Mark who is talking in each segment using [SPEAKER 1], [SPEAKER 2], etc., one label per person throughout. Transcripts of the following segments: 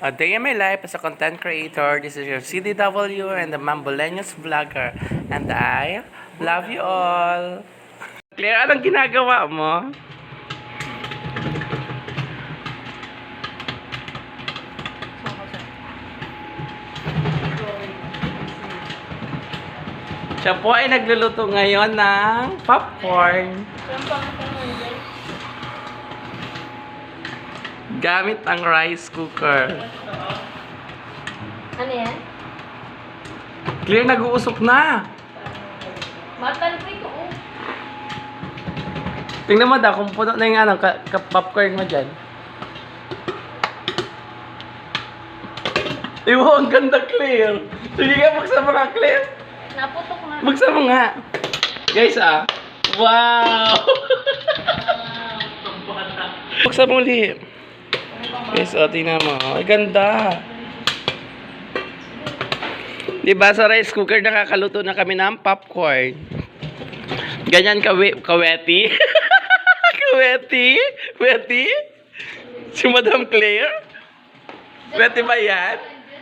[SPEAKER 1] A day in my life as a content creator. This is your CDW and the Mamboleños vlogger. And I love you all. Claire, anong ginagawa mo? Siya po ay nagluluto ngayon ng popcorn. Gamit ang rice cooker.
[SPEAKER 2] Ano yan?
[SPEAKER 1] Clear, nag-uusok na.
[SPEAKER 2] Matal ko ito, oh.
[SPEAKER 1] Tingnan mo daw kung puno na yung popcorn mo dyan. Iwo, ang ganda, Clear. Sige nga, buksan mo nga, Clear.
[SPEAKER 2] Naputok na.
[SPEAKER 1] Buksan mo nga. Guys, wow! Buksan mo ulit. Guys, tingnan mo. Ay, ganda. Diba sa rice cooker nakakaluto na kami ng popcorn. Ganyan kaweti. Kaweti? Weti? Si Madam Claire? Weti ba yan?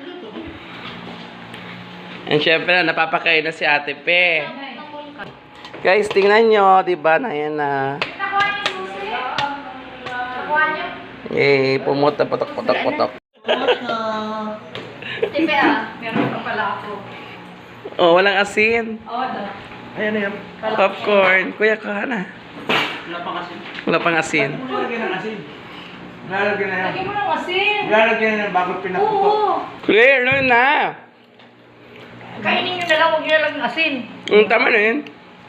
[SPEAKER 1] And syempre, napapakain na si Ate Pe. Guys, tingnan nyo. Diba na yan na.
[SPEAKER 2] Nakuha niyo susi? Nakuha niyo?
[SPEAKER 1] Eh, pumuta, potok.
[SPEAKER 2] Tipe meron pa pala ako.
[SPEAKER 1] Oh, walang asin.
[SPEAKER 2] Oo, daw.
[SPEAKER 3] Ayan na yan.
[SPEAKER 1] Popcorn. Kuya, ka na.
[SPEAKER 3] Wala pang asin.
[SPEAKER 1] Wala pang asin.
[SPEAKER 3] Ba't mo lalagyan ng asin? Lalagyan na yan.
[SPEAKER 2] Lagyan mo ng asin.
[SPEAKER 3] Lalagyan na yan bago pinaputok.
[SPEAKER 2] Oo.
[SPEAKER 1] Clear, no na.
[SPEAKER 2] Kainin nyo na lang, huwag nyo na lang ng asin.
[SPEAKER 1] Tama na yun.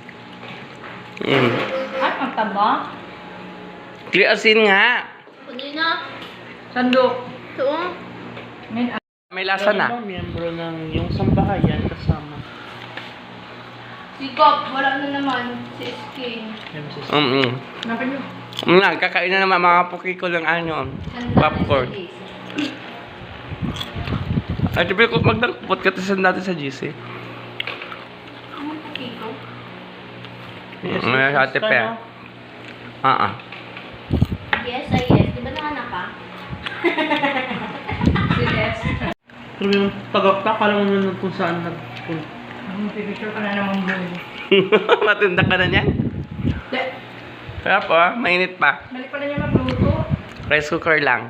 [SPEAKER 2] Ay, ang taba.
[SPEAKER 1] Clear, asin nga.
[SPEAKER 2] Kunin na. Sandok. Ito.
[SPEAKER 1] May lasa na.
[SPEAKER 3] Miyembro ng yung sambahayan kasama.
[SPEAKER 2] Sigop, wala na naman. Si Skin.
[SPEAKER 1] Napin nyo. Kakain na naman mga puki ko lang popcorn. Ay, tibi ko magdangkot ka tasan natin sa GC.
[SPEAKER 2] Ang pukiko.
[SPEAKER 1] May Ate Pe.
[SPEAKER 2] Yes, yes. Di ba nakanak ka? Yes.
[SPEAKER 3] Pero yung tagakta, kala mo nun kung saan nagpunta.
[SPEAKER 2] Pipicture ka na naman mo.
[SPEAKER 1] Matinda ka na niyan. Kaya po, mainit pa.
[SPEAKER 2] Balik pala niya magluto.
[SPEAKER 1] Rice cooker lang.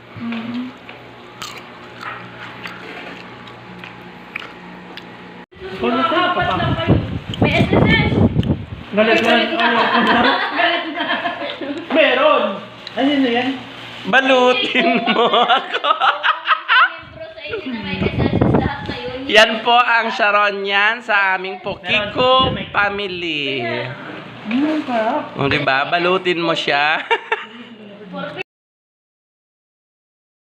[SPEAKER 3] Kung ano ka, papa?
[SPEAKER 2] May SSS!
[SPEAKER 3] Galit na.
[SPEAKER 2] Galit na.
[SPEAKER 3] Meron! Ano na yan?
[SPEAKER 1] Balutin mo ako.
[SPEAKER 2] Siyempre sa inyo na may SSS lahat kayo.
[SPEAKER 1] Yan po ang Sharon yan sa aming Pokiko family.
[SPEAKER 3] Ano ka?
[SPEAKER 1] O, diba? Balutin mo siya.